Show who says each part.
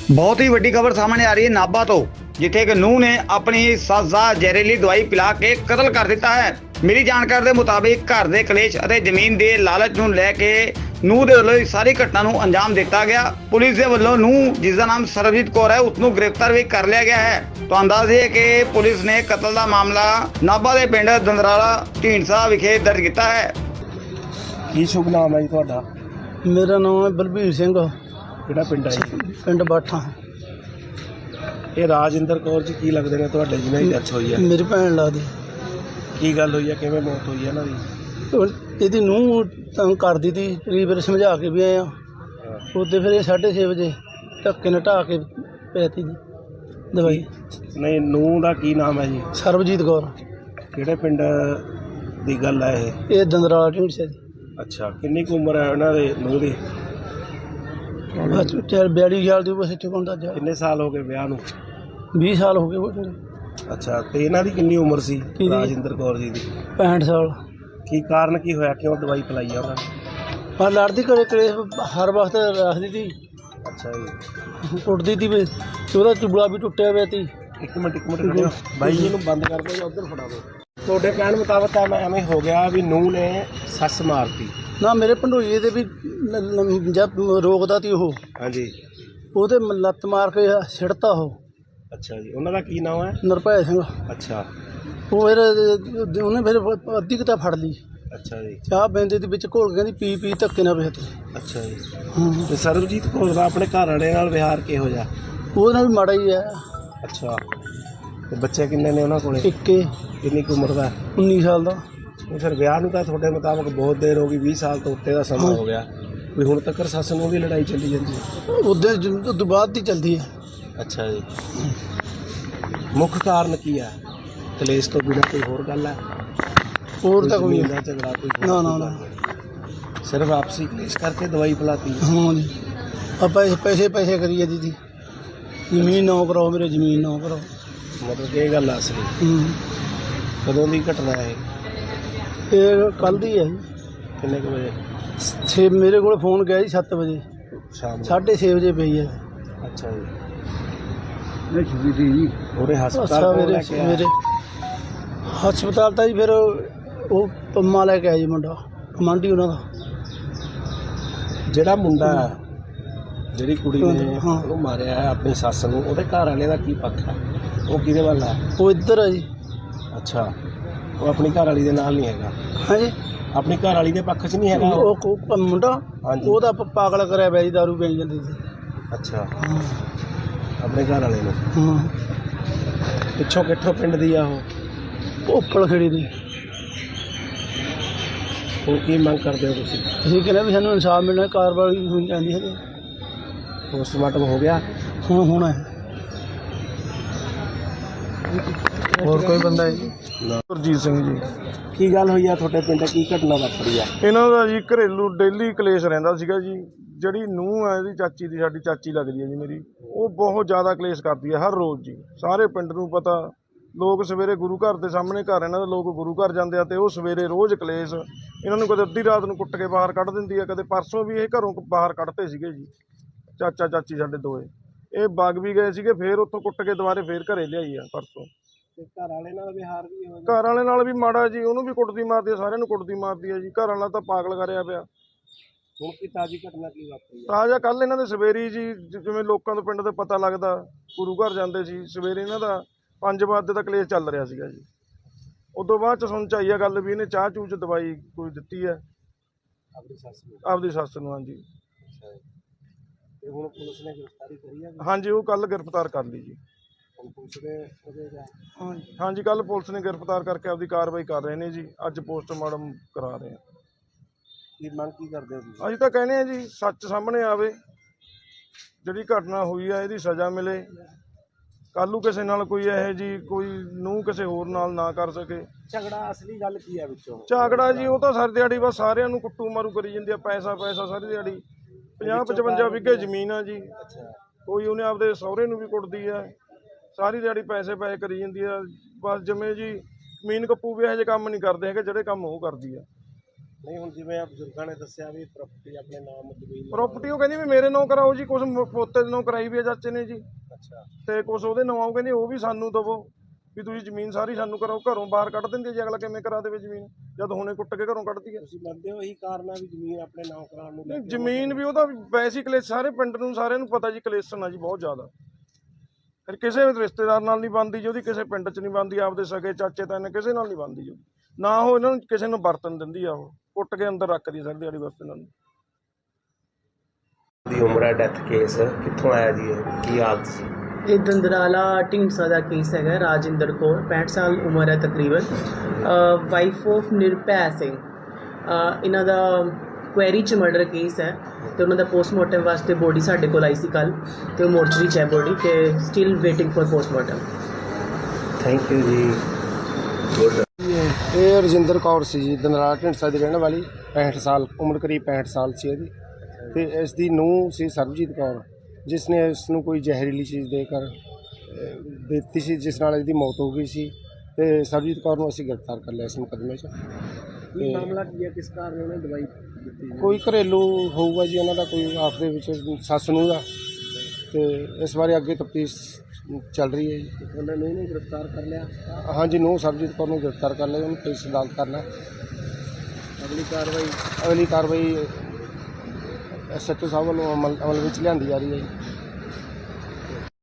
Speaker 1: बहुत ही ਵੱਡੀ खबर सामने आ रही है नाभा तो जिथे एक नूह ने अपनी सੱਸ ਦਾ ਜ਼ਹਿਰੀਲੀ ਦਵਾਈ ਪਿਲਾ ਕੇ ਕਤਲ ਕਰ ਦਿੱਤਾ ਹੈ। ਮੇਰੀ ਜਾਣਕਾਰੀ ਦੇ ਮੁਤਾबिक ਘਰ ਦੇ ਕਲੇਸ਼ ਅਤੇ ਜ਼ਮੀਨ ਦੇ ਲਾਲਚ ਨੂੰ ਲੈ ਕੇ ਨੂਹ ਦੇ ਵੱਲੋਂ ਸਾਰੀ ਘਟਨਾ ਨੂੰ ਅੰਜਾਮ ਦਿੱਤਾ ਗਿਆ। ਪੁਲਿਸ ਦੇ ਵੱਲੋਂ ਨੂਹ ਜਿਸ ਦਾ ਨਾਮ ਸਰਬਜੀਤ ਕੌਰ ਹੈ ਉਸ ਨੂੰ ਗ੍ਰਿਫਤਾਰ ਵੀ ਕਰ ਲਿਆ ਗਿਆ ਹੈ। तो अंदाजे है कि पुलिस ने कतल का मामला नाभा के पिंड दंदराला ढींडसा विखे दर्ज किया है।
Speaker 2: ਕੀ ਸ਼ੁਭ ਨਾਮ ਹੈ ਜੀ ਤੁਹਾਡਾ?
Speaker 3: मेरा नाम है बलबीर सिंह,
Speaker 2: ਕਿਹੜਾ ਪਿੰਡ ਹੈ ਜੀ?
Speaker 3: पिंड बाठा।
Speaker 2: ਇਹ ਰਾਜਿੰਦਰ ਕੌਰ ਜੀ ਕੀ ਲੱਗਦੇ ਨੇ ਤੁਹਾਡੇ ਜਿਹਨਾਂ ਦੀ ਡੈਥ ਹੋਈ ਹੈ?
Speaker 3: मेरी भैन लगदी।
Speaker 2: ਕੀ ਗੱਲ ਹੋਈ ਹੈ, ਕਿਵੇਂ ਮੌਤ ਹੋਈ ਹੈ ਇਹਨਾਂ ਦੀ?
Speaker 3: ਇਹਦੀ ਨੂੰਹ ਤੰਗ ਕਰਦੀ ਤੀ, ਕਈ ਵਾਰ ਸਮਝਾ ਕੇ ਵੀ ਆਏ ਆ। ਉਹਦੇ ਫਿਰ ਇਹ 6:30 ਵਜੇ ਧੱਕੇ ਨਾਲ ਢਾਹ ਕੇ ਪੈਤੀ ਜੀ ਦਵਾਈ।
Speaker 2: ਨਹੀਂ, ਨੂੰਹ ਦਾ ਕੀ ਨਾਮ ਹੈ ਜੀ?
Speaker 3: ਸਰਬਜੀਤ ਕੌਰ।
Speaker 2: ਕਿਹੜੇ ਪਿੰਡ ਦੀ ਗੱਲ ਹੈ ਇਹ?
Speaker 3: ਇਹ ਦੰਦਰਾਲਾ ਢੀਂਡਸੇ ਦੀ।
Speaker 2: ਅੱਛਾ, ਕਿੰਨੀ ਕੁ ਉਮਰ ਹੈ ਉਹਨਾਂ ਦੇ ਨੂੰਹ ਦੀ?
Speaker 3: 42 ਸਾਲ ਦੀ ਬਸ ਇੱਥੇ ਕੋਂਦਾ ਜਾ।
Speaker 2: ਕਿੰਨੇ ਸਾਲ ਹੋ ਗਏ ਵਿਆਹ ਨੂੰ?
Speaker 3: 20 ਸਾਲ ਹੋ ਗਏ ਉਹ।
Speaker 2: ਅੱਛਾ, ਤੇ ਇਹਨਾਂ ਦੀ ਕਿੰਨੀ ਉਮਰ ਸੀ
Speaker 3: ਕਿਹਦੀ?
Speaker 2: ਰਾਜਿੰਦਰ ਕੌਰ ਜੀ ਦੀ?
Speaker 3: 65 ਸਾਲ।
Speaker 2: ਕੀ ਕਾਰਨ ਕੀ ਹੋਇਆ, ਕਿਉਂ ਦਵਾਈ ਪਿਲਾਈ ਆ ਉਹਨਾਂ ਨੇ?
Speaker 3: ਪਰ ਲੜਦੀ ਘਰੇ ਕਲੇਸ਼ ਹਰ ਵਕਤ ਰੱਖਦੀ ਤੀ,
Speaker 2: ਅੱਛਾ ਜੀ,
Speaker 3: ਕੁੱਟਦੀ ਤੀ ਵੀ, ਉਹਦਾ ਚੁਬਲਾ ਵੀ ਟੁੱਟਿਆ ਹੋਇਆ ਤੀ।
Speaker 2: ਇੱਕ ਮਿੰਟ ਖੜਿਓ ਬਾਈ ਜੀ ਨੂੰ ਬੰਦ ਕਰ ਦਿਓ ਜਾਂ ਉੱਧਰ ਫੜਾ ਦਿਓ। ਤੁਹਾਡੇ ਕਹਿਣ ਮੁਤਾਬਕ ਤਾਂ ਐਵੇਂ ਹੋ ਗਿਆ ਵੀ ਨੂੰਹ ਨੇ ਸੱਸ ਮਾਰਤੀ?
Speaker 3: ਨਾ, ਮੇਰੇ ਭੰਡੋਈਏ ਦੇ ਵੀ ਜਦ ਰੋਕਦਾ ਤੀ ਉਹ,
Speaker 2: ਹਾਂਜੀ।
Speaker 3: ਉਹਦੇ ਲੱਤ ਮਾਰ ਕੇ ਸਿੜਤਾ ਉਹ।
Speaker 2: ਅੱਛਾ ਜੀ, ਉਹਨਾਂ ਦਾ ਕੀ ਨਾਮ ਹੈ?
Speaker 3: ਨਿਰਭੈ ਸਿੰਘ।
Speaker 2: ਅੱਛਾ
Speaker 3: ਉਹ ਫਿਰ ਉਹਨੇ ਫਿਰ ਅੱਧੀ ਕਿਤਾ ਫੜ ਲਈ,
Speaker 2: ਅੱਛਾ ਜੀ,
Speaker 3: ਚਾਹ ਬੈਂਦੇ ਦੇ ਵਿੱਚ ਘੋਲ ਕੇ ਕਹਿੰਦੀ ਪੀ ਪੀ ਧੱਕੇ ਨਾਲ ਵੇਚਤੀ।
Speaker 2: ਅੱਛਾ ਜੀ।
Speaker 3: ਹਾਂ,
Speaker 2: ਤੇ ਸਰਬਜੀਤ ਕੌਰ ਦਾ ਆਪਣੇ ਘਰ ਵਾਲੇ ਨਾਲ ਵਿਹਾਰ ਕਿਹੋ ਜਿਹਾ?
Speaker 3: ਉਹਦੇ ਨਾਲ ਵੀ ਮਾੜਾ ਹੀ ਹੈ।
Speaker 2: ਅੱਛਾ, ਤੇ ਬੱਚੇ ਕਿੰਨੇ ਨੇ ਉਹਨਾਂ ਕੋਲੇ?
Speaker 3: ਇੱਕੇ
Speaker 2: ਕਿੰਨੀ ਕੁ ਉਮਰ ਦਾ?
Speaker 3: 19 ਸਾਲ ਦਾ।
Speaker 2: ਇਹ ਫਿਰ ਵਿਆਹ ਨੂੰ ਤਾਂ ਤੁਹਾਡੇ ਮੁਤਾਬਕ ਬਹੁਤ ਦੇਰ ਹੋ ਗਈ, 20 ਸਾਲ ਤੋਂ ਉੱਤੇ ਦਾ ਸਮਾਂ ਹੋ ਗਿਆ, ਵੀ ਹੁਣ ਤੱਕ ਸੱਸ ਨੂੰ ਵੀ ਲੜਾਈ ਚੱਲੀ ਜਾਂਦੀ ਹੈ?
Speaker 3: ਉਹਦੇ ਤੋਂ ਬਾਅਦ ਦੀ ਚੱਲਦੀ ਹੈ।
Speaker 2: ਅੱਛਾ ਜੀ, ਮੁੱਖ ਕਾਰਨ ਕੀ ਹੈ? ਕਲੇਸ਼ ਤੋਂ ਬਿਨਾਂ ਕੋਈ ਹੋਰ ਗੱਲ ਹੈ?
Speaker 3: ਹੋਰ ਤਾਂ ਕੋਈ
Speaker 2: ਜ਼ਮੀਨ ਦਾ ਝਗੜਾ ਕੋਈ ਹੋਰ
Speaker 3: ਨਾ ਨਾ
Speaker 2: ਕੋਈ
Speaker 3: ਨਾ।
Speaker 2: ਗੱਲ? ਸਿਰਫ ਆਪਸੀ ਕਲੇਸ਼ ਕਰਕੇ ਦਵਾਈ ਪਿਲਾਤੀ?
Speaker 3: ਹਾਂ ਜੀ, ਆਪਾਂ ਪੈਸੇ ਕਰੀਏ ਦੀਦੀ, ਜ਼ਮੀਨ ਨਾ ਕਰਾਓ ਮੇਰੇ, ਜ਼ਮੀਨ ਨਾ ਕਰਾਓ।
Speaker 2: ਮਤਲਬ ਕਿ ਇਹ ਗੱਲ ਆ ਅਸਲੀ? ਕਦੋਂ ਦੀ ਘਟਨਾ ਹੈ
Speaker 3: ਇਹ ਕੱਲ੍ਹ ਦੀ ਹੈ ਜੀ।
Speaker 2: ਕਿੰਨੇ ਕੁ ਵਜੇ?
Speaker 3: ਮੇਰੇ ਕੋਲ ਫੋਨ ਗਿਆ ਜੀ 7 ਵਜੇ,
Speaker 2: ਸ਼ਾਮ ਨੂੰ?
Speaker 3: 6:30 ਵਜੇ ਪਈ ਹੈ।
Speaker 2: ਅੱਛਾ ਜੀ,
Speaker 3: ਜੀ
Speaker 2: ਉਹਦੇ ਹਸਪਤਾਲ
Speaker 3: ਅੱਛਾ,
Speaker 2: ਕੋਲ ਲੈ ਕੇ ਆਇਆ?
Speaker 3: ਮੇਰੇ ਹਸਪਤਾਲ ਤਾਂ ਜੀ ਫਿਰ ਉਹ ਪੰਮਾ ਲੈ ਕੇ ਆਇਆ ਜੀ, ਮੁੰਡਾ ਕਮਾਂਡੀ ਉਹਨਾਂ ਦਾ।
Speaker 2: ਜਿਹੜਾ ਮੁੰਡਾ ਜਿਹੜੀ ਕੁੜੀ ਨੇ
Speaker 3: ਹਾਂ।
Speaker 2: ਉਹਨੂੰ ਮਾਰਿਆ ਹੈ ਆਪਣੀ ਸੱਸ ਨੂੰ, ਉਹਦੇ ਘਰ ਵਾਲੇ ਦਾ ਕੀ ਪੱਖ ਹੈ? ਉਹ ਕਿਹਦੇ ਵੱਲ ਹੈ?
Speaker 3: ਉਹ ਇੱਧਰ ਹੈ ਜੀ।
Speaker 2: ਅੱਛਾ, ਉਹ ਆਪਣੀ ਘਰ ਵਾਲੀ ਦੇ ਨਾਲ ਨਹੀਂ ਹੈਗਾ?
Speaker 3: ਹਾਂਜੀ,
Speaker 2: ਆਪਣੀ ਘਰ ਵਾਲੀ ਦੇ ਪੱਖ 'ਚ ਨਹੀਂ ਹੈਗਾ ਉਹ?
Speaker 3: ਉਹ ਮੁੰਡਾ
Speaker 2: ਹਾਂਜੀ।
Speaker 3: ਉਹਦਾ ਪਾਗਲ ਕਰਿਆ ਪਿਆ ਜੀ, ਦਾਰੂ ਪੀਣ ਜਾਂਦੀ ਸੀ।
Speaker 2: ਅੱਛਾ,
Speaker 3: ਹਾਂ
Speaker 2: ਆਪਣੇ ਘਰ ਵਾਲੇ ਨੂੰ?
Speaker 3: ਹਾਂ,
Speaker 2: ਪਿੱਛੋਂ ਕਿੱਥੋਂ ਪਿੰਡ ਦੀ ਆ ਉਹ?
Speaker 3: ਉੱਪਲ ਖੜੀ ਦੀ।
Speaker 2: ਹੁਣ ਕੀ ਮੰਗ ਕਰਦੇ ਹੋ ਤੁਸੀਂ?
Speaker 3: ਅਸੀਂ ਕਹਿੰਦੇ ਵੀ ਸਾਨੂੰ ਇਨਸਾਫ ਮਿਲਣਾ, ਕਾਰਵਾਈ ਹੋਣੀ ਚਾਹੀਦੀ ਹੈ।
Speaker 2: ਪੋਸਟਮਾਰਟਮ ਹੋ ਗਿਆ?
Speaker 3: ਹੁਣ ਹੋਣਾ ਹੈ। ਹੋਰ ਕੋਈ ਬੰਦਾ ਹੈ ਜੀ?
Speaker 4: ਗੁਰਜੀਤ ਸਿੰਘ ਜੀ।
Speaker 2: ਕੀ ਗੱਲ ਹੋਈ ਆ ਤੁਹਾਡੇ ਪਿੰਡ? ਕੀ ਘਟਨਾ ਵਾਪਰੀ ਆ?
Speaker 4: ਇਹਨਾਂ ਦਾ ਜੀ ਘਰੇਲੂ ਡੇਲੀ ਕਲੇਸ਼ ਰਹਿੰਦਾ ਸੀਗਾ ਜੀ। ਜਿਹੜੀ ਨੂੰਹ ਹੈ ਇਹਦੀ ਚਾਚੀ ਦੀ, ਸਾਡੀ ਚਾਚੀ ਲੱਗਦੀ ਹੈ ਜੀ ਮੇਰੀ, ਉਹ ਬਹੁਤ ਜ਼ਿਆਦਾ ਕਲੇਸ਼ ਕਰਦੀ ਹੈ ਹਰ ਰੋਜ਼ ਜੀ। ਸਾਰੇ ਪਿੰਡ ਨੂੰ ਪਤਾ, ਲੋਕ ਸਵੇਰੇ ਗੁਰੂ ਘਰ ਦੇ ਸਾਹਮਣੇ ਘਰ ਇਹਨਾਂ ਦਾ, ਲੋਕ ਗੁਰੂ ਘਰ ਜਾਂਦੇ ਆ ਤੇ ਉਹ ਸਵੇਰੇ ਰੋਜ਼ ਕਲੇਸ਼। ਇਹਨਾਂ ਨੂੰ ਕਦੇ ਅੱਧੀ ਰਾਤ ਨੂੰ ਕੁੱਟ ਕੇ ਬਾਹਰ ਕੱਢ ਦਿੰਦੀ ਹੈ, ਕਦੇ ਪਰਸੋਂ ਵੀ ਇਹ ਘਰੋਂ ਬਾਹਰ ਕੱਢਤੇ ਸੀਗੇ ਜੀ, ਚਾਚਾ ਚਾਚੀ ਸਾਡੇ ਦੋਏ। ਇਹ ਵਗ ਵੀ ਗਏ ਸੀਗੇ, ਫੇਰ ਉੱਥੋਂ ਕੁੱਟ ਕੇ ਦੁਬਾਰੇ ਫੇਰ ਘਰੇ ਲਿਆਈ ਆ ਪਰਸੋਂ।
Speaker 2: ਤੇ ਘਰ ਵਾਲੇ ਨਾਲ ਵਿਹਾਰ ਵੀ ਹੋ
Speaker 4: ਘਰ ਵਾਲੇ ਨਾਲ ਵੀ ਮਾੜਾ ਜੀ, ਉਹਨੂੰ ਵੀ ਕੁੱਟਦੀ ਮਾਰਦੀ ਆ, ਸਾਰਿਆਂ ਨੂੰ ਕੁੱਟਦੀ ਮਾਰਦੀ ਆ ਜੀ। ਘਰ ਵਾਲਾ ਤਾਂ ਪਾਗਲ ਕਰਿਆ ਪਿਆ।
Speaker 2: ਹੁਣ ਕੀ ਤਾਜ਼ੀ ਘਟਨਾ ਕੀ ਵਾਪਰੀ ਆ?
Speaker 4: ਤਾਜ਼ਾ ਕੱਲ ਇਹਨਾਂ ਦੇ ਸਵੇਰੀ ਜੀ, ਜਿਵੇਂ ਲੋਕਾਂ ਤੋਂ ਪਿੰਡ ਦੇ ਪਤਾ ਲੱਗਦਾ, ਗੁਰੂ ਘਰ ਜਾਂਦੇ ਸੀ ਸਵੇਰੇ, ਇਹਨਾਂ ਦਾ 5 ਵਜੇ ਦਾ ਕਲੇਸ਼ ਚੱਲ ਰਿਹਾ ਸੀਗਾ ਜੀ। ਉਦੋਂ ਬਾਅਦ ਚ ਸੁਣ ਚ ਆਈ ਆ ਗੱਲ ਵੀ ਇਹਨੇ ਚਾਹ ਚੂਹ ਚ ਦਵਾਈ ਕੋਈ ਦਿੱਤੀ ਹੈ
Speaker 2: ਆਪਣੀ ਸੱਸ ਨੂੰ?
Speaker 4: ਆਪਦੀ ਸੱਸ ਨੂੰ। ਹਾਂਜੀ
Speaker 2: ਤੇ ਹੁਣ ਪੁਲਿਸ ਨੇ ਗ੍ਰਿਫਤਾਰੀ ਕਰੀ ਆ?
Speaker 4: ਹਾਂਜੀ, ਉਹ ਕੱਲ ਗ੍ਰਿਫਤਾਰ ਕਰ ਲਈ ਜੀ।
Speaker 2: ਹੁਣ ਪੁਲਿਸ ਦੇ ਉਹਦੇ ਦਾ?
Speaker 4: ਹਾਂਜੀ, ਕੱਲ ਪੁਲਿਸ ਨੇ ਗ੍ਰਿਫਤਾਰ ਕਰਕੇ ਆਪਦੀ ਕਾਰਵਾਈ ਕਰ ਰਹੇ ਨੇ ਜੀ। ਅੱਜ ਪੋਸਟਮਾਰਟਮ ਕਰਾ ਰਹੇ ਆ।
Speaker 2: ਕੀ ਮੰਗ ਕੀ ਕਰਦੇ ਹੋ ਤੁਸੀਂ?
Speaker 4: ਅਸੀਂ ਤਾਂ ਕਹਿੰਦੇ ਆ ਜੀ, ਸੱਚ ਸਾਹਮਣੇ ਆਵੇ, ਜਿਹੜੀ ਘਟਨਾ ਹੋਈ ਆ ਇਹਦੀ ਸਜ਼ਾ ਮਿਲੇ। ਕੱਲ੍ਹ ਨੂੰ ਕਿਸੇ ਨਾਲ ਕੋਈ ਇਹੋ ਜੀ ਕੋਈ ਨੂੰਹ ਕਿਸੇ ਹੋਰ ਨਾਲ ਨਾ ਕਰ ਸਕੇ।
Speaker 2: ਝਗੜਾ ਅਸਲੀ ਗੱਲ ਕੀ ਹੈ ਵਿੱਚੋਂ?
Speaker 4: ਝਗੜਾ ਜੀ, ਉਹ ਤਾਂ ਸਾਰੀ ਦਿਹਾੜੀ ਬਸ ਸਾਰਿਆਂ ਨੂੰ ਕੁੱਟੂ ਮਾਰੂ ਕਰੀ ਜਾਂਦੀ ਆ, ਪੈਸਾ ਪੈਸਾ ਸਾਰੀ ਦਿਹਾੜੀ। 50-55 ਵਿਗੇ ਜ਼ਮੀਨ ਆ ਜੀ।
Speaker 2: ਅੱਛਾ,
Speaker 4: ਕੋਈ ਉਹਨੇ ਆਪਦੇ ਸਹੁਰੇ ਨੂੰ ਵੀ ਕੁੱਟਦੀ ਆ, ਸਾਰੀ ਦਿਹਾੜੀ ਪੈਸੇ ਕਰੀ ਜਾਂਦੀ ਆ। ਬਸ ਜਿਵੇਂ ਜੀ ਜ਼ਮੀਨ ਕੱਪੂ ਵੀ ਇਹੋ ਜਿਹੇ ਕੰਮ ਨਹੀਂ ਕਰਦੇ ਹੈਗੇ ਜਿਹੜੇ ਕੰਮ ਉਹ ਕਰਦੀ ਆ।
Speaker 2: ਨਹੀਂ ਹੁਣ ਜਿਵੇਂ ਆ ਬਜ਼ੁਰਗਾਂ ਨੇ ਦੱਸਿਆ ਵੀ ਪ੍ਰਾਪਰਟੀ ਆਪਣੇ ਨਾਮ ਜ਼ਮੀਨ
Speaker 4: ਪ੍ਰਾਪਰਟੀ ਉਹ ਕਹਿੰਦੀ ਵੀ ਮੇਰੇ ਨਾਂ ਕਰਾਓ ਜੀ, ਕੁਛ ਪੋਤੇ ਦੇ ਨਾਂ ਕਰਾਈ ਵੀ ਆ ਚਾਚੇ ਨੇ ਜੀ,
Speaker 2: ਅੱਛਾ
Speaker 4: ਤੇ ਕੁਛ ਉਹਦੇ ਨਾਂ ਉਹ ਕਹਿੰਦੀ ਉਹ ਵੀ ਸਾਨੂੰ ਦਵੋ ਵੀ ਤੁਸੀਂ ਜ਼ਮੀਨ ਸਾਰੀ ਸਾਨੂੰ ਕਰਾਓ। ਘਰੋਂ ਬਾਹਰ ਕੱਢ ਦਿੰਦੇ ਜੀ, ਅਗਲਾ ਕਿਵੇਂ ਕਰਾ ਦੇਵੇ ਜ਼ਮੀਨ ਜਦ ਹੁਣੇ ਕੁੱਟ ਕੇ ਘਰੋਂ ਕੱਢਦੀ ਹੈ।
Speaker 2: ਤੁਸੀਂ ਮੰਨਦੇ ਹੋ ਇਹੀ ਕਾਰਨ ਆ ਵੀ ਜ਼ਮੀਨ ਆਪਣੇ ਨਾਮ ਕਰਾਉਣ ਨੂੰ ਲੈ ਕੇ?
Speaker 4: ਜ਼ਮੀਨ ਵੀ ਉਹਦਾ ਵੈਸੇ ਹੀ ਕਲੇਸ਼, ਸਾਰੇ ਪਿੰਡ ਨੂੰ ਸਾਰਿਆਂ ਨੂੰ ਪਤਾ ਜੀ ਕਲੇਸ਼ਨ ਆ ਜੀ ਬਹੁਤ ਜ਼ਿਆਦਾ। ਫਿਰ ਕਿਸੇ ਵੀ ਰਿਸ਼ਤੇਦਾਰ ਨਾਲ ਨਹੀਂ ਬਣਦੀ ਜੀ ਉਹਦੀ, ਕਿਸੇ ਪਿੰਡ 'ਚ ਨਹੀਂ ਬਣਦੀ, ਆਪਦੇ ਸਕੇ ਚਾਚੇ ਤਾਏ ਕਿਸੇ ਨਾਲ ਨਹੀਂ ਬਣਦੀ ਜੀ, ਨਾ ਉਹ ਇਹਨਾਂ ਨੂੰ ਕਿਸੇ ਨੂੰ ਵਰਤਨ ਦਿੰਦੀ ਆ, ਉਹ ਕੁੱਟ ਕੇ ਅੰਦਰ ਰੱਖਦੀ ਸਾਰੀ ਦਿਹਾੜੀ ਬਸ ਇਹਨਾਂ ਨੂੰ।
Speaker 2: ਦੀ ਉਮਰ ਡੈਥ ਕੇਸ ਕਿੱਥੋਂ ਆਇਆ ਜੀ, ਕੀ ਹਾਲਤ ਸੀ?
Speaker 5: ਇਹ ਦੰਦਰਾਲਾ ਢੀਂਡਸਾ ਦਾ ਕੇਸ ਹੈਗਾ। ਰਾਜਿੰਦਰ ਕੌਰ 65 ਸਾਲ ਉਮਰ ਹੈ ਤਕਰੀਬਨ, ਵਾਈਫ ਆਫ ਨਿਰਭੈ ਸਿੰਘ। ਇਹਨਾਂ ਦਾ ਕੁਐਰੀ 'ਚ ਮਰਡਰ ਕੇਸ ਹੈ ਅਤੇ ਉਹਨਾਂ ਦਾ ਪੋਸਟਮਾਰਟਮ ਵਾਸਤੇ ਬੋਡੀ ਸਾਡੇ ਕੋਲ ਆਈ ਸੀ ਕੱਲ੍ਹ, ਅਤੇ ਉਹ ਮੋਰਚਰੀ 'ਚ ਹੈ ਬੋਡੀ, ਅਤੇ still waiting for postmortem.
Speaker 2: Thank you ji.
Speaker 3: ਇਹ ਰਜਿੰਦਰ ਕੌਰ ਸੀ ਜੀ, ਦੰਦਰਾਲਾ ਢੀਂਡਸਾ ਦੀ ਰਹਿਣ ਵਾਲੀ, 65 ਸਾਲ ਉਮਰ, ਕਰੀਬ 65 ਸਾਲ ਸੀ ਇਹਦੀ। ਅਤੇ ਇਸ ਦੀ ਨੂੰਹ ਸੀ ਸਰਬਜੀਤ ਕੌਰ, ਜਿਸ ਨੇ ਇਸ ਨੂੰ ਕੋਈ ਜ਼ਹਿਰੀਲੀ ਚੀਜ਼ ਦੇ ਕਰ ਦਿੱਤੀ ਸੀ, ਜਿਸ ਨਾਲ ਇਹਦੀ ਮੌਤ ਹੋ ਗਈ ਸੀ। ਅਤੇ ਸਰਬਜੀਤ ਕੌਰ ਨੂੰ ਅਸੀਂ ਗ੍ਰਿਫਤਾਰ ਕਰ ਲਿਆ ਇਸ ਮੁਕੱਦਮੇ 'ਚ।
Speaker 2: ਕੀ ਮਾਮਲਾ ਕੀ ਹੈ, ਕਿਸ ਕਾਰਨ ਉਹਨੇ ਦਵਾਈ ਦਿੱਤੀ?
Speaker 3: ਕੋਈ ਘਰੇਲੂ ਹੋਊਗਾ ਜੀ ਉਹਨਾਂ ਦਾ, ਕੋਈ ਆਪਸ ਦੇ ਵਿੱਚ ਸੱਸ ਨੂੰਹ ਦਾ, ਅਤੇ ਇਸ ਬਾਰੇ ਅੱਗੇ ਤਫਤੀਸ਼ ਚੱਲ ਰਹੀ ਹੈ ਜੀ।
Speaker 2: ਉਹਨਾਂ ਨੂੰ ਇਹਨੂੰ ਗ੍ਰਿਫਤਾਰ ਕਰ ਲਿਆ,
Speaker 3: ਹਾਂਜੀ, ਨੂੰਹ ਸਰਬਜੀਤ ਕੌਰ ਨੂੰ ਗ੍ਰਿਫਤਾਰ ਕਰ ਲਿਆ, ਉਹਨੂੰ ਪੁਲਿਸ ਅਦਾਲਤ ਕਰਨਾ।
Speaker 2: ਅਗਲੀ ਕਾਰਵਾਈ
Speaker 3: ਅਗਲੀ ਕਾਰਵਾਈ SHO ਸਾਹਿਬ ਵੱਲੋਂ ਅਮਲ ਵਿੱਚ ਲਿਆਂਦੀ ਜਾ ਰਹੀ ਹੈ ਜੀ।